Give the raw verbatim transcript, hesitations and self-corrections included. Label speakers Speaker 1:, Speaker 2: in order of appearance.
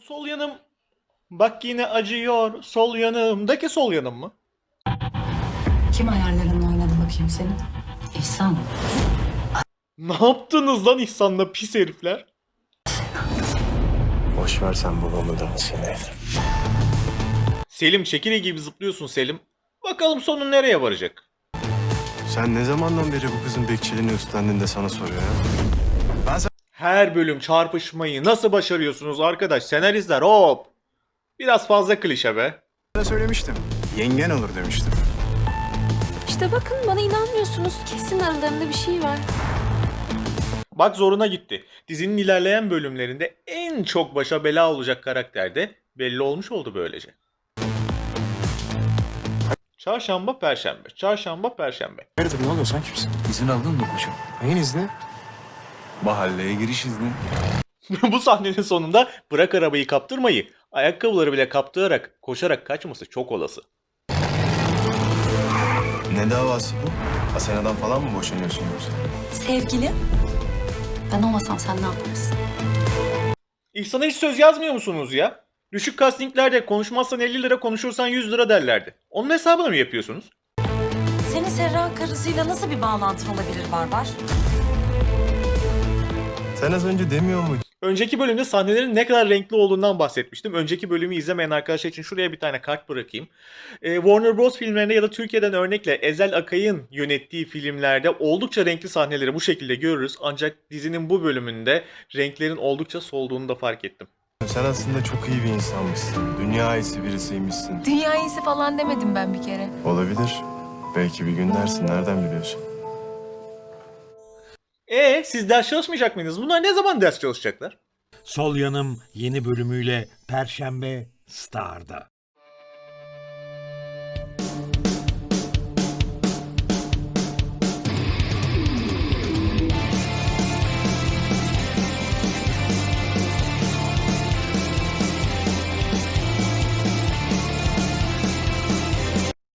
Speaker 1: Sol yanım bak yine acıyor. Sol yanımdaki sol yanım mı?
Speaker 2: Kim ayarlarınla oynadı bakayım senin? İhsan.
Speaker 1: Ne yaptınız lan İhsan'la pis herifler?
Speaker 3: Boş ver sen babamı da seni.
Speaker 1: Selim çekirge gibi zıplıyorsun Selim. Bakalım sonu nereye varacak?
Speaker 3: Sen ne zamandan beri bu kızın bekçiliğini üstlendin de sana soruyor ya? Ben
Speaker 1: Her bölüm çarpışmayı nasıl başarıyorsunuz arkadaş? Senaristler hop. Biraz fazla klişe be.
Speaker 3: sana söylemiştim. Yengen olur demiştim.
Speaker 4: İşte bakın bana inanmıyorsunuz. Kesin aralarında bir şey var.
Speaker 1: Bak zoruna gitti. Dizinin ilerleyen bölümlerinde en çok başa bela olacak karakter de belli olmuş oldu böylece. Çarşamba, Perşembe. Çarşamba, Perşembe.
Speaker 3: Hayırdır ne oluyor sen kimsin?
Speaker 5: İzin aldın mı koçum?
Speaker 3: Neyin izni?
Speaker 5: Mahalleye giriş izni.
Speaker 1: Bu sahnenin sonunda bırak arabayı kaptırmayı, ayakkabıları bile kaptırarak, koşarak kaçması çok olası.
Speaker 3: Ne davası bu? Asena'dan falan mı boşanıyorsun yoksa?
Speaker 2: Sevgili. Ben olmasam sen ne yaparsın?
Speaker 1: İhsan'a hiç söz yazmıyor musunuz ya? Düşük castinglerde konuşmazsan elli lira, konuşursan yüz lira derlerdi. Onun hesabını mı yapıyorsunuz?
Speaker 6: Senin Serra karısıyla nasıl bir bağlantın olabilir Barbar?
Speaker 3: Sen az önce demiyor muydun?
Speaker 1: Önceki bölümde sahnelerin ne kadar renkli olduğundan bahsetmiştim. Önceki bölümü izlemeyen arkadaşlar için şuraya bir tane kart bırakayım. Ee, Warner Bros. Filmlerinde ya da Türkiye'den örnekle Ezel Akay'ın yönettiği filmlerde oldukça renkli sahneleri bu şekilde görürüz. Ancak dizinin bu bölümünde renklerin oldukça solduğunu da fark ettim.
Speaker 3: Sen aslında çok iyi bir insanmışsın. Dünya iyisi birisiymişsin.
Speaker 4: Dünya iyisi falan demedim ben bir kere.
Speaker 3: Olabilir. Belki bir gün dersin. Nereden biliyorsun?
Speaker 1: E siz ders çalışmayacak mıydınız? Bunlar ne zaman ders çalışacaklar?
Speaker 7: Sol Yanım yeni bölümüyle Perşembe Star'da.